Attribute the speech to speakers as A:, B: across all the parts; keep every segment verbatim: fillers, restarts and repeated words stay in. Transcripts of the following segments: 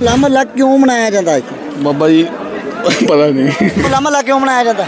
A: ਹੋਲਾ ਮਹੱਲਾ ਕਿਉਂ ਮਨਾਇਆ ਜਾਂਦਾ ਹੈ?
B: ਬਾਬਾ ਜੀ ਪਤਾ ਨਹੀਂ
A: ਹੋਲਾ ਮਹੱਲਾ ਕਿਉਂ ਮਨਾਇਆ ਜਾਂਦਾ?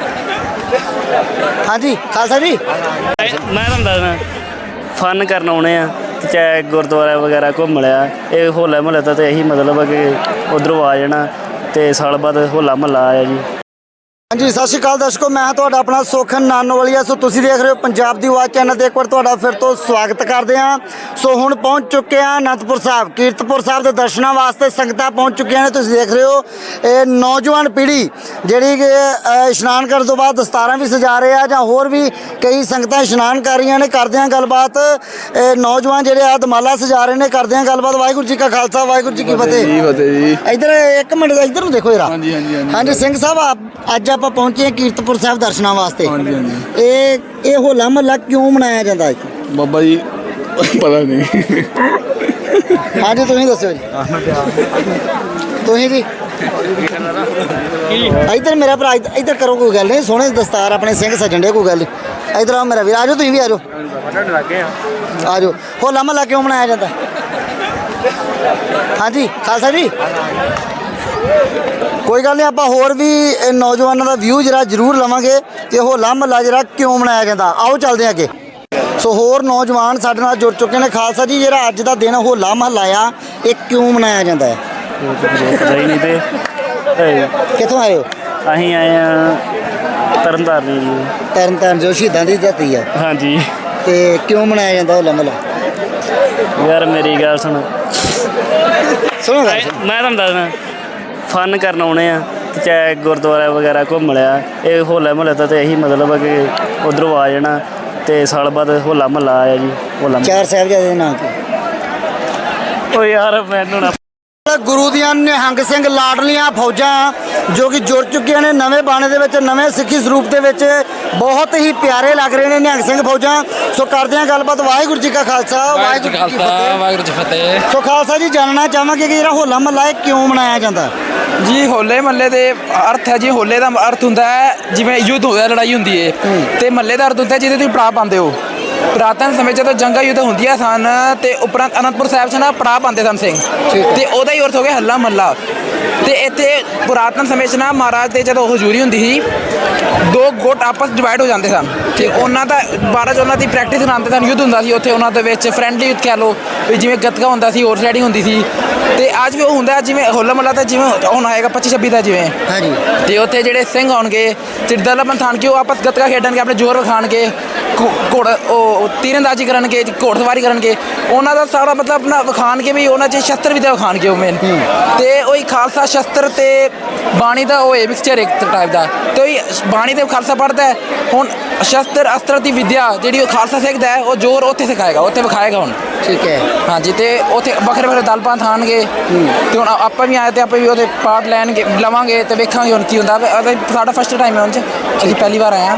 A: ਹਾਂਜੀ ਖਾਲਸਾ ਜੀ।
C: ਮੈਂ ਤੁਹਾਨੂੰ ਦੱਸਦਾ ਫਨ ਕਰਨ ਆਉਣੇ ਆ ਤੇ ਚਾਹੇ ਗੁਰਦੁਆਰਾ ਵਗੈਰਾ ਘੁੰਮ ਲਿਆ। ਇਹ ਹੋਲਾ ਮਹੱਲੇ ਦਾ ਤਾਂ ਇਹੀ ਮਤਲਬ ਹੈ ਕਿ ਉੱਧਰੋਂ ਆ ਜਾਣਾ ਤੇ ਸਾਲ ਬਾਅਦ ਹੋਲਾ ਮਹੱਲਾ ਆਇਆ ਜੀ।
A: ਹਾਂਜੀ ਸਤਿ ਸ਼੍ਰੀ ਅਕਾਲ ਦਰਸ਼ਕੋ, ਮੈਂ ਤੁਹਾਡਾ ਆਪਣਾ ਸੋਖਨ ਨਾਨੋਵਾਲੀਆ। ਸੋ ਤੁਸੀਂ ਦੇਖ ਰਹੇ ਹੋ ਪੰਜਾਬ ਦੀ ਆਵਾਜ਼ ਚੈਨਲ ਤੇ। ਇੱਕ ਵਾਰ ਤੁਹਾਡਾ ਫਿਰ ਤੋਂ ਸਵਾਗਤ ਕਰਦੇ ਹਾਂ। ਸੋ ਹੁਣ ਪਹੁੰਚ ਚੁੱਕੇ ਹਾਂ ਅਨੰਦਪੁਰ ਸਾਹਿਬ, ਕੀਰਤਪੁਰ ਸਾਹਿਬ ਦੇ ਦਰਸ਼ਨਾਂ ਵਾਸਤੇ ਸੰਗਤਾਂ ਪਹੁੰਚ ਚੁੱਕੀਆਂ ਨੇ। ਤੁਸੀਂ ਦੇਖ ਰਹੇ ਹੋ ਇਹ ਨੌਜਵਾਨ ਪੀੜ੍ਹੀ ਜਿਹੜੀ ਕਿ ਇਸ਼ਨਾਨ ਕਰਨ ਤੋਂ ਬਾਅਦ ਦਸਤਾਰਾਂ ਵੀ ਸਜਾ ਰਹੇ ਆ, ਜਾਂ ਹੋਰ ਵੀ ਕਈ ਸੰਗਤਾਂ ਇਸ਼ਨਾਨ ਕਰ ਰਹੀਆਂ ਨੇ। ਕਰਦੇ ਹਾਂ ਗੱਲਬਾਤ, ਇਹ ਨੌਜਵਾਨ ਜਿਹੜੇ ਆ ਦਮਾਲਾ ਸਜਾ ਰਹੇ ਨੇ। ਕਰਦੇ ਹਾਂ ਗੱਲਬਾਤ। ਵਾਹਿਗੁਰੂ ਜੀ ਕਾ ਖਾਲਸਾ, ਵਾਹਿਗੁਰੂ ਜੀ ਕੀ ਫਤਿਹ।
B: ਜੀ ਫਤਿਹ ਜੀ।
A: ਇੱਧਰ ਇੱਕ ਮਿੰਟ, ਇੱਧਰ ਨੂੰ ਦੇਖੋ ਜਰਾ।
B: ਹਾਂਜੀ ਹਾਂਜੀ ਹਾਂਜੀ
A: ਹਾਂਜੀ ਸਿੰਘ ਸਾਹਿਬ, ਆਪ ਅੱਜ ਆਪਾਂ ਪਹੁੰਚੇ ਹਾਂ ਕੀਰਤਪੁਰ ਸਾਹਿਬ ਦਰਸ਼ਨਾਂ ਵਾਸਤੇ।
B: ਹਾਂਜੀ ਹਾਂਜੀ
A: ਇਹ ਇਹ ਹੋਲਾ ਮਹੱਲਾ ਕਿਉਂ ਮਨਾਇਆ ਜਾਂਦਾ ਹੈ?
B: ਬਾਬਾ ਜੀ ਪਤਾ ਨਹੀਂ
A: ਹਾਂਜੀ ਤੁਸੀਂ ਦੱਸੋ ਜੀ। ਤੁਸੀਂ ਜੀ ਇੱਧਰ ਮੇਰਾ ਭਰਾ, ਇੱਧਰ ਇੱਧਰ ਕਰੋ, ਕੋਈ ਗੱਲ ਨਹੀਂ। ਸੋਹਣੇ ਦਸਤਾਰ ਆਪਣੇ ਸਿੰਘ ਸੱਜਣ ਡੇ, ਕੋਈ ਗੱਲ ਨਹੀਂ। ਇੱਧਰ ਆਓ ਮੇਰਾ ਵੀਰ, ਆ ਜਾਓ ਤੁਸੀਂ ਵੀ ਆ ਜਾਓ ਆ ਜਾਓ। ਹੋਲਾ ਮਹੱਲਾ ਕਿਉਂ ਮਨਾਇਆ ਜਾਂਦਾ? ਹਾਂਜੀ ਖਾਲਸਾ ਜੀ। ਕੋਈ ਗੱਲ ਨਹੀਂ, ਆਪਾਂ ਹੋਰ ਵੀ ਨੌਜਵਾਨਾਂ ਦਾ ਵਿਊ ਜਰਾ ਜ਼ਰੂਰ ਲਵਾਂਗੇ ਕਿ ਹੋਲਾ ਮਹੱਲਾ ਜਿਹੜਾ ਕਿਉਂ ਮਨਾਇਆ ਜਾਂਦਾ। ਆਓ ਚੱਲਦੇ ਹਾਂ ਅੱਗੇ। ਸੋ ਹੋਰ ਨੌਜਵਾਨ ਸਾਡੇ ਨਾਲ ਜੁੜ ਚੁੱਕੇ ਨੇ। ਖਾਲਸਾ ਜੀ, ਜਿਹੜਾ ਅੱਜ ਦਾ ਦਿਨ ਹੋਲਾ ਮਹੱਲਾ ਆ, ਇਹ ਕਿਉਂ ਮਨਾਇਆ ਜਾਂਦਾ ਹੈ?
C: ਪਤਾ ਹੀ ਨਹੀਂ ਤੇ
A: ਕਿੱਥੋਂ ਆਏ ਹੋ?
C: ਅਸੀਂ ਆਏ ਆ ਤਰਨਤਾਰਨ ਜੀ।
A: ਤਰਨ ਤਾਰਨ ਜੋ ਸ਼ਹੀਦਾਂ ਦੀ ਧਰਤੀ ਆ,
C: ਹਾਂਜੀ
A: ਤੇ ਕਿਉਂ ਮਨਾਇਆ ਜਾਂਦਾ ਹੋਲਾ ਮਹੱਲਾ?
C: ਯਾਰ ਮੇਰੀ ਗੱਲ ਸੁਣ,
A: ਸੁਣੋ ਗੱਲ।
C: ਮੈਂ ਤੁਹਾਨੂੰ ਦੱਸਦਾ ਫਨ ਕਰਨ ਆਉਣੇ ਆ ਤੇ ਚਾਹੇ ਗੁਰਦੁਆਰਾ ਵਗੈਰਾ ਘੁੰਮ ਲਿਆ। ਇਹ ਹੋਲਾ ਮਹੱਲੇ ਦਾ ਤਾਂ ਇਹੀ ਮਤਲਬ ਹੈ ਕਿ ਉੱਧਰੋਂ ਆ ਜਾਣਾ ਤੇ ਸਾਲ ਬਾਅਦ ਹੋਲਾ ਮਹੱਲਾ ਆਇਆ ਜੀ। ਹੋਲਾ
A: ਚਾਰ ਸਾਹਿਬਜ਼ਾਦੇ ਦੇ ਨਾਮ ਤੇ
C: ਉਹ ਯਾਰ ਮੈਨੂੰ ਨਾ
A: ਗੁਰੂ ਦੀਆਂ ਨਿਹੰਗ ਸਿੰਘ ਲਾਡਲੀਆਂ ਫੌਜਾਂ ਜੋ ਕਿ ਜੁੜ ਚੁੱਕੀਆਂ ਨੇ ਨਵੇਂ ਬਾਣੇ ਦੇ ਵਿੱਚ, ਨਵੇਂ ਸਿੱਖੀ ਸਰੂਪ ਦੇ ਵਿੱਚ। ਬਹੁਤ ਹੀ ਪਿਆਰੇ ਲੱਗ ਰਹੇ ਨੇ ਨਿਹੰਗ ਸਿੰਘ ਫੌਜਾਂ। ਸੋ ਕਰਦੇ ਹਾਂ ਗੱਲਬਾਤ। ਵਾਹਿਗੁਰੂ ਜੀ ਕਾ ਖਾਲਸਾ, ਵਾਹਿਗੁਰੂ ਜੀ ਕੀ ਫਤਿਹ।
D: ਵਾਹਿਗੁਰੂ ਜੀ ਫਤਿਹ।
A: ਸੋ ਖਾਲਸਾ ਜੀ, ਜਾਣਨਾ ਚਾਹਾਂਗੇ ਕਿ ਜਿਹੜਾ ਹੋਲਾ ਮਹੱਲਾ ਇਹ ਕਿਉਂ ਮਨਾਇਆ ਜਾਂਦਾ?
D: ਜੀ ਹੋਲੇ ਮਹੱਲੇ ਦੇ ਅਰਥ ਹੈ ਜੀ, ਹੋਲੇ ਦਾ ਅਰਥ ਹੁੰਦਾ ਹੈ ਜਿਵੇਂ ਯੁੱਧ ਹੋਇਆ, ਲੜਾਈ ਹੁੰਦੀ ਹੈ, ਤੇ ਮਹੱਲੇ ਦਾ ਅਰਥ ਹੁੰਦਾ ਜਿਹਦੇ ਤੁਸੀਂ ਪੜਾਅ ਪਾਉਂਦੇ ਹੋ। ਪੁਰਾਤਨ ਸਮੇਂ ਜਦੋਂ ਜੰਗਾਂ ਯੁੱਧ ਹੁੰਦੀਆਂ ਸਨ ਤੇ ਉਪਰੰਤ ਅਨੰਦਪੁਰ ਸਾਹਿਬ 'ਚ ਨਾ ਪੜਾਅ ਪਾਉਂਦੇ ਸਨ ਸਿੰਘ, ਤੇ ਉਹਦਾ ਹੀ ਅਰਥ ਹੋ ਗਿਆ ਹੱਲਾ ਮਹੱਲਾ। ਤੇ ਇੱਥੇ ਪੁਰਾਤਨ ਸਮੇਂ 'ਚ ਨਾ ਮਹਾਰਾਜ ਦੇ ਜਦੋਂ ਹਜ਼ੂਰੀ ਹੁੰਦੀ ਸੀ, ਦੋ ਗੁੱਟ ਆਪਸ ਡਿਵਾਈਡ ਹੋ ਜਾਂਦੇ ਸਨ ਤੇ ਉਹਨਾਂ ਦਾ ਮਹਾਰਾਜ ਉਹਨਾਂ ਦੀ ਪ੍ਰੈਕਟਿਸ ਕਰਾਉਂਦੇ ਸਨ। ਯੁੱਧ ਹੁੰਦਾ ਸੀ ਉੱਥੇ ਉਹਨਾਂ ਦੇ ਵਿੱਚ, ਫਰੈਂਡਲੀ ਯੁੱਧ ਕਹਿ ਲਓ ਵੀ, ਜਿਵੇਂ ਗੱਤਕਾ ਹੁੰਦਾ ਸੀ, ਹੋਰ ਰਾਈਡਿੰਗ ਹੁੰਦੀ ਸੀ। ਤੇ ਅੱਜ ਵੀ ਉਹ ਹੁੰਦਾ ਜਿਵੇਂ ਹੋਲਾ ਮਹੱਲਾ ਤਾਂ ਜਿਵੇਂ ਹੁਣ ਆਏਗਾ ਪੱਚੀ ਛੱਬੀ ਦਾ ਜਿਵੇਂ।
A: ਹਾਂਜੀ।
D: ਤੇ ਉੱਥੇ ਜਿਹੜੇ ਸਿੰਘ ਆਉਣਗੇ ਚਿੜਦਲਾ ਬੰਥਾਨ ਕੇ, ਉਹ ਆਪਸ ਗੱਤਕਾ ਖੇਡਣਗੇ, ਆਪਣੇ ਜ਼ੋਰ ਵਿਖਾਣਗੇ, ਘੋੜ ਉਹ ਤੀਰਅੰਦਾਜ਼ੀ ਕਰਨਗੇ, ਘੋੜਸਵਾਰੀ ਕਰਨਗੇ। ਉਹਨਾਂ ਦਾ ਸਾਰਾ ਮਤਲਬ ਆਪਣਾ ਵਿਖਾਣਗੇ ਵੀ ਉਹਨਾਂ 'ਚ ਸ਼ਸਤਰ ਵਿਦਿਆ ਵਿਖਾਣਗੇ ਉਹ ਮੇਨ। ਤੇ ਉਹੀ ਖਾਲਸਾ ਸ਼ਸਤਰ ਤੇ ਬਾਣੀ ਦਾ ਉਹ ਹੈ ਮਿਕਸਚਰ ਇੱਕ ਟਾਈਪ ਦਾ। ਤੇ ਉਹੀ ਬਾਣੀ ਤੇ ਖਾਲਸਾ ਪੜ੍ਹਦਾ ਹੈ। ਹੁਣ ਸ਼ਸਤਰ ਅਸਤਰ ਦੀ ਵਿਦਿਆ ਜਿਹੜੀ ਉਹ ਖਾਲਸਾ ਸਿੱਖਦਾ ਹੈ, ਉਹ ਜ਼ੋਰ ਉੱਥੇ ਸਿਖਾਏਗਾ, ਉੱਥੇ ਵਿਖਾਏਗਾ ਹੁਣ।
A: ਠੀਕ ਹੈ।
D: ਹਾਂਜੀ। ਤੇ ਉੱਥੇ ਵੱਖਰੇ ਵੱਖਰੇ ਦਲ ਪੰਥ ਆਉਣਗੇ ਤੇ ਹੁਣ ਆਪਾਂ ਵੀ ਆਏ ਤੇ ਆਪਾਂ ਵੀ ਉਹਦੇ ਪਾਰਟ ਲੈਣਗੇ, ਲਵਾਂਗੇ ਤੇ ਵੇਖਾਂਗੇ ਹੁਣ ਕੀ ਹੁੰਦਾ। ਸਾਡਾ ਫਸਟ ਟਾਈਮ ਹੈ ਹੁਣ 'ਚ, ਅਸੀਂ ਪਹਿਲੀ ਵਾਰ ਆਏ ਹਾਂ।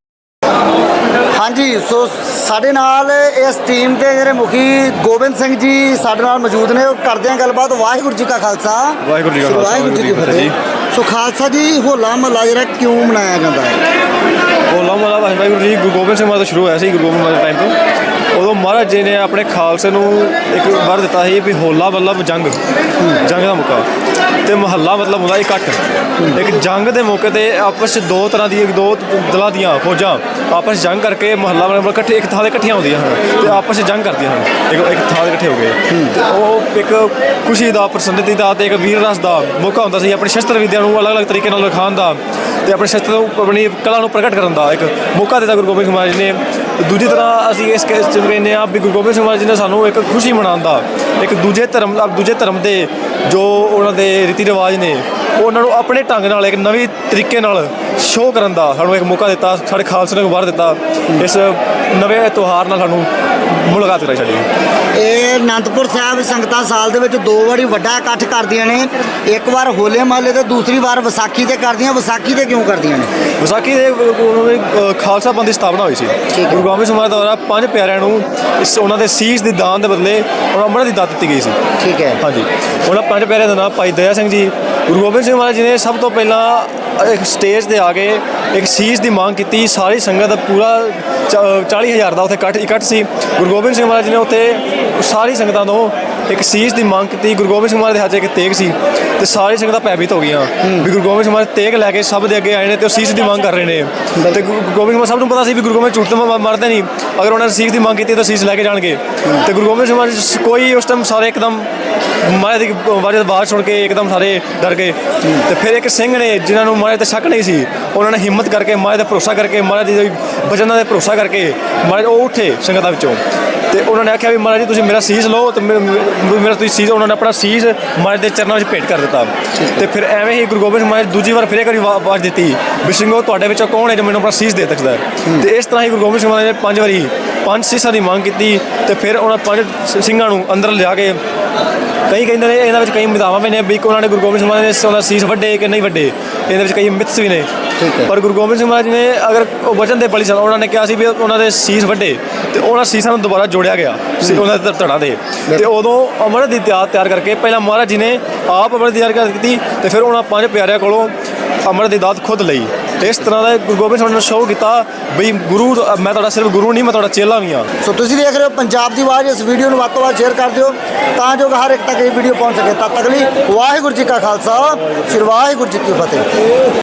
A: ਹਾਂਜੀ। ਸੋ ਸਾਡੇ ਨਾਲ ਇਸ ਟੀਮ ਦੇ ਜਿਹੜੇ ਮੁਖੀ ਗੋਬਿੰਦ ਸਿੰਘ ਜੀ ਸਾਡੇ ਨਾਲ ਮੌਜੂਦ ਨੇ। ਉਹ ਕਰਦੇ ਹਾਂ ਗੱਲਬਾਤ। ਵਾਹਿਗੁਰੂ ਜੀ ਕਾ ਖਾਲਸਾ,
B: ਵਾਹਿਗੁਰੂ ਜੀ ਕਾ ਖਾਲਸਾ,
A: ਵਾਹਿਗੁਰੂ ਜੀ ਕੀ ਫਤਿਹ। ਸੋ ਖਾਲਸਾ ਜੀ, ਹੋਲਾ ਮਹੱਲਾ ਜਿਹੜਾ ਕਿਉਂ ਮਨਾਇਆ ਜਾਂਦਾ ਹੈ?
E: ਹੋਲਾ ਮਹੱਲਾ ਵਾਹਿਗੁਰੂ ਜੀ ਗੁਰੂ ਗੋਬਿੰਦ ਸਿੰਘ ਮਹਾਰਾਜ ਤੋਂ ਸ਼ੁਰੂ ਹੋਇਆ ਸੀ। ਗੁਰੂ ਗੋਬਿੰਦ ਮਹਾਰਾਜ ਟਾਈਮ ਤੋਂ ਉਦੋਂ ਮਹਾਰਾਜ ਜੀ ਨੇ ਆਪਣੇ ਖਾਲਸੇ ਨੂੰ ਇੱਕ ਵਰ ਦਿੱਤਾ ਸੀ ਵੀ ਹੋਲਾ ਮਤਲਬ ਜੰਗ, ਜੰਗ ਦਾ ਮੌਕਾ, ਤੇ ਮਹੱਲਾ ਮਤਲਬ ਹੁੰਦਾ ਇਕੱਠ। ਇੱਕ ਜੰਗ ਦੇ ਮੌਕੇ 'ਤੇ ਆਪਸ 'ਚ ਦੋ ਤਰ੍ਹਾਂ ਦੀ ਦੋ ਦਲਾਂ ਦੀਆਂ ਫੌਜਾਂ ਆਪਸ 'ਚ ਜੰਗ ਕਰਕੇ ਮਹੱਲਾ ਮਤਲਬ ਇਕੱਠੇ ਇੱਕ ਥਾਂ 'ਤੇ ਇਕੱਠੀਆਂ ਹੁੰਦੀਆਂ ਹਨ ਅਤੇ ਆਪਸ 'ਚ ਜੰਗ ਕਰਦੀਆਂ ਹਨ। ਇੱਕ ਇੱਕ ਥਾਂ 'ਤੇ ਇਕੱਠੇ ਹੋ ਗਏ ਅਤੇ ਉਹ ਇੱਕ ਖੁਸ਼ੀ ਦਾ, ਪ੍ਰਸੰਨਤੀ ਦਾ ਅਤੇ ਇੱਕ ਵੀਰ ਰਸ ਦਾ ਮੌਕਾ ਹੁੰਦਾ ਸੀ। ਆਪਣੀ ਸ਼ਸਤਰ ਵਿਦਿਆ ਨੂੰ ਅਲੱਗ ਅਲੱਗ ਤਰੀਕੇ ਨਾਲ ਵਿਖਾਉਣ ਦਾ ਅਤੇ ਆਪਣੇ ਸ਼ਸਤਰ ਨੂੰ, ਆਪਣੀ ਕਲਾ ਨੂੰ ਪ੍ਰਗਟ ਕਰਨ ਦਾ ਇੱਕ ਮੌਕਾ ਦਿੱਤਾ ਗੁਰੂ ਗੋਬਿੰਦ ਸਿੰਘ ਮਹਾਰਾਜ ਨੇ। ਦੂਜੀ ਤਰ੍ਹਾਂ ਅਸੀਂ ਇਸ ਕੇਸ 'ਚ ਕਹਿੰਦੇ ਹਾਂ ਵੀ ਗੁਰੂ ਗੋਬਿੰਦ ਸਿੰਘ ਮਹਾਰਾਜ ਜੀ ਨੇ ਸਾਨੂੰ ਇੱਕ ਖੁਸ਼ੀ ਮਨਾਉਣ ਦਾ, ਇੱਕ ਦੂਜੇ ਧਰਮ ਦੂਜੇ ਧਰਮ ਦੇ ਜੋ ਉਹਨਾਂ ਦੇ ਰੀਤੀ ਰਿਵਾਜ ਨੇ ਉਹਨਾਂ ਨੂੰ ਆਪਣੇ ਢੰਗ ਨਾਲ ਇੱਕ ਨਵੀਂ ਤਰੀਕੇ ਨਾਲ ਸ਼ੋਅ ਕਰਨ ਦਾ ਸਾਨੂੰ ਇੱਕ ਮੌਕਾ ਦਿੱਤਾ। ਸਾਡੇ ਖਾਲਸੇ ਨੇ ਵਾਰ ਦਿੱਤਾ ਇਸ ਨਵੇਂ ਤਿਉਹਾਰ ਨਾਲ ਸਾਨੂੰ ਮੁਲਾਕਾਤ ਕਰਾਈ ਸਾਡੀ।
A: ਇਹ ਅਨੰਦਪੁਰ ਸਾਹਿਬ ਸੰਗਤਾਂ ਸਾਲ ਦੇ ਵਿੱਚ ਦੋ ਵਾਰੀ ਵੱਡਾ ਇਕੱਠ ਕਰਦੀਆਂ ਨੇ। ਇੱਕ ਵਾਰ ਹੋਲੇ ਮਹੱਲੇ ਤੇ ਦੂਸਰੀ ਵਾਰ ਵਿਸਾਖੀ ਤੇ ਕਰਦੀਆਂ। ਵਿਸਾਖੀ ਤੇ ਕਿਉਂ ਕਰਦੀਆਂ ਨੇ?
E: ਵਿਸਾਖੀ ਦੇ ਉਹਨਾਂ ਦੇ ਖਾਲਸਾ ਪੰਥ ਦੀ ਸਥਾਪਨਾ ਹੋਈ ਸੀ। ਗੁਰੂ ਗੋਬਿੰਦ ਸਿੰਘ ਮਹਾਰਾਜ ਦੁਆਰਾ ਪੰਜ ਪਿਆਰਿਆਂ ਨੂੰ ਇਸ ਉਹਨਾਂ ਦੇ ਸੀਸ ਦੀ ਦਾਨ ਦੇ ਬਦਲੇ ਉਹਨਾਂ ਅੰਮ੍ਰਿਤ ਦੀ ਦਾਤ ਦਿੱਤੀ ਗਈ ਸੀ।
A: ਠੀਕ ਹੈ।
E: ਹਾਂਜੀ। ਉਹਨਾਂ ਪੰਜ ਪਿਆਰਿਆਂ ਦਾ ਨਾਮ ਭਾਈ ਦਇਆ ਸਿੰਘ ਜੀ, ਗੁਰੂ ਗੋਬਿੰਦ ਸਿੰਘ ਮਹਾਰਾਜ ਜੀ ਨੇ ਸਭ ਤੋਂ ਪਹਿਲਾਂ ਇੱਕ ਸਟੇਜ 'ਤੇ ਆ ਕੇ ਇੱਕ ਸੀਸ ਦੀ ਮੰਗ ਕੀਤੀ। ਸਾਰੀ ਸੰਗਤ ਦਾ ਪੂਰਾ ਚਾਲੀ ਹਜ਼ਾਰ ਦਾ ਉੱਥੇ ਇਕੱਠ ਇਕੱਠ ਸੀ। ਗੁਰੂ ਗੋਬਿੰਦ ਸਿੰਘ ਮਹਾਰਾਜ ਜੀ ਨੇ ਉੱਥੇ ਸਾਰੀ ਸੰਗਤਾਂ ਤੋਂ ਇੱਕ ਸੀਸ ਦੀ ਮੰਗ ਕੀਤੀ। ਗੁਰੂ ਗੋਬਿੰਦ ਸਿੰਘ ਮਹਾਰਾਜ ਦੇ ਹੱਥ 'ਚ ਇੱਕ ਤੇਗ ਸੀ ਤੇ ਸਾਰੀ ਸੰਗਤਾਂ ਭੈਭੀਤ ਹੋ ਗਈਆਂ ਵੀ ਗੁਰੂ ਗੋਬਿੰਦ ਸਿੰਘ ਮਹਾਰਾਜ ਤੇਗ ਲੈ ਕੇ ਸਭ ਦੇ ਅੱਗੇ ਆਏ ਨੇ ਤੇ ਉਹ ਸੀਸ ਦੀ ਮੰਗ ਕਰ ਰਹੇ ਨੇ। ਤੇ ਗੁਰੂ ਗੋਬਿੰਦ ਸਿੰਘ ਸਭ ਨੂੰ ਪਤਾ ਸੀ ਵੀ ਗੁਰੂ ਗੋਬਿੰਦ ਝੂਠ ਤੋਂ ਮਰਦੇ ਨਹੀਂ, ਅਗਰ ਉਹਨਾਂ ਨੇ ਸੀਸ ਦੀ ਮੰਗ ਕੀਤੀ ਤਾਂ ਸੀਸ ਲੈ ਕੇ ਜਾਣਗੇ। ਤੇ ਗੁਰੂ ਗੋਬਿੰਦ ਸਿੰਘ ਮਹਾਰਾਜ ਕੋਈ ਉਸ ਟਾਈਮ ਸਾਰੇ ਇੱਕਦਮ ਮਹਾਰਾਜ ਦੀ ਆਵਾਜ਼ ਆਵਾਜ਼ ਸੁਣ ਕੇ ਇੱਕਦਮ ਸਾਰੇ ਡਰ ਗਏ। ਤੇ ਫਿਰ ਇੱਕ ਸਿੰਘ ਨੇ ਜਿਨ੍ਹਾਂ ਨੂੰ ਮਹਾਰਾਜ ਤੇ ਸ਼ੱਕ ਨਹੀਂ ਸੀ, ਉਹਨਾਂ ਨੇ ਹਿੰਮਤ ਕਰਕੇ ਮਹਾਰਾਜ ਦਾ ਭਰੋਸਾ ਕਰਕੇ ਮਹਾਰਾਜ ਦੀ ਬਚਨਾਂ ਦੇ ਭਰੋਸਾ ਕਰਕੇ ਮਹਾਰਾਜ ਉਹ ਉੱਠੇ ਸੰਗਤਾਂ ਵਿੱਚੋਂ ਤੇ ਉਹਨਾਂ ਨੇ ਆਖਿਆ ਵੀ ਮਹਾਰਾਜ ਜੀ ਤੁਸੀਂ ਮੇਰਾ ਸੀਸ ਲਓ ਤੇ ਮੇ- ਮੇ- ਮੇਰਾ ਤੁਸੀਂ ਸੀਸ, ਉਹਨਾਂ ਨੇ ਆਪਣਾ ਸੀਸ ਮਹਾਰਾਜ ਦੇ ਚਰਨਾਂ ਵਿੱਚ ਭੇਟ ਕਰ ਦਿੱਤਾ। ਤੇ ਫਿਰ ਐਵੇਂ ਹੀ ਗੁਰੂ ਗੋਬਿੰਦ ਸਿੰਘ ਮਹਾਰਾਜ ਦੂਜੀ ਵਾਰ ਫਿਰ ਇੱਕ ਵਾਰੀ ਵਾ- ਆਵਾਜ਼ ਦਿੱਤੀ ਵੀ ਸਿੰਘੋ ਤੁਹਾਡੇ ਵਿੱਚੋਂ ਕੌਣ ਹੈ ਜੋ ਮੈਨੂੰ ਆਪਣਾ ਸੀਸ ਦੇ ਸਕਦਾ ਹੈ। ਤੇ ਇਸ ਤਰ੍ਹਾਂ ਹੀ ਗੁਰੂ ਗੋਬਿੰਦ ਸਿੰਘ ਮਹਾਰਾਜ ਨੇ ਪੰਜ ਵਾਰੀ ਪੰਜ ਸੀਸਾਂ ਦੀ ਮੰਗ ਕੀਤੀ ਤੇ ਫਿਰ ਉਹਨਾਂ ਪੰਜ ਸ- ਸਿੰਘਾਂ ਨੂੰ ਅੰਦਰ ਲਿਆ ਕੇ ਕਈ ਕਹਿੰਦੇ ਨੇ ਇਹਨਾਂ ਵਿੱਚ ਕਈ ਮਿਤਾਵਾਂ ਵੀ ਨੇ ਵੀ ਕਿ ਉਹਨਾਂ ਨੇ ਗੁਰੂ ਗੋਬਿੰਦ ਸਿੰਘ ਮਹਾਰਾਜ ਨੇ ਉਹਦਾ ਸੀਸ ਵੱਡੇ ਕਿ ਨਹੀਂ ਵੱਡੇ, ਇਹਦੇ ਵਿੱਚ ਕਈ ਮਿਥਸ ਵੀ ਨੇ। ਪਰ ਗੁਰੂ ਗੋਬਿੰਦ ਸਿੰਘ ਮਹਾਰਾਜ ਨੇ ਅਗਰ ਉਹ ਵਚਨ ਦੇ ਬਲੀ ਸਨ, ਉਹਨਾਂ ਨੇ ਕਿਹਾ ਸੀ ਵੀ ਉਹਨਾਂ ਦੇ ਸੀਸ ਵੱਡੇ ਤੇ ਉਹਨਾਂ ਸੀਸਾਂ ਨੂੰ ਦੁਬਾਰਾ ਜੋੜਿਆ ਗਿਆ ਸੀ ਉਹਨਾਂ ਦੇ ਧੜਾਂ ਦੇ। ਤੇ ਉਦੋਂ ਅੰਮ੍ਰਿਤ ਦੀ ਤਿਆਰ ਤਿਆਰ ਕਰਕੇ ਪਹਿਲਾਂ ਮਹਾਰਾਜ ਜੀ ਨੇ ਆਪ ਅੰਮ੍ਰਿਤ ਦੀ ਤਿਆਰ ਕੀਤੀ ਤੇ ਫਿਰ ਉਹਨਾਂ ਪੰਜ ਪਿਆਰਿਆਂ ਕੋਲੋਂ ਅੰਮ੍ਰਿਤ ਦੀ ਦਾਤ ਖੁਦ ਲਈ। ਤੇ ਇਸ ਤਰ੍ਹਾਂ ਦਾ ਗੁਰੂ ਗੋਬਿੰਦ ਸਿੰਘ ਨੇ ਸ਼ੋਅ ਕੀਤਾ ਵੀ ਗੁਰੂ ਮੈਂ ਤੁਹਾਡਾ ਸਿਰਫ ਗੁਰੂ ਨਹੀਂ, ਮੈਂ ਤੁਹਾਡਾ ਚੇਲਾ ਵੀ ਹਾਂ।
A: ਸੋ ਤੁਸੀਂ ਦੇਖ ਰਹੇ ਹੋ ਪੰਜਾਬ ਦੀ ਆਵਾਜ਼। ਇਸ ਵੀਡੀਓ ਨੂੰ ਵੱਧ ਤੋਂ ਵੱਧ ਸ਼ੇਅਰ ਕਰ ਦਿਓ ਤਾਂ ਜੋ ਹਰ ਇੱਕ ਤੱਕ ਇਹ ਵੀਡੀਓ ਪਹੁੰਚ ਸਕੇ। ਤਦ ਤੱਕ ਲਈ ਵਾਹਿਗੁਰੂ ਜੀ ਕਾ ਖਾਲਸਾ, ਸ੍ਰੀ ਵਾਹਿਗੁਰੂ ਜੀ ਕੀ ਫਤਿਹ।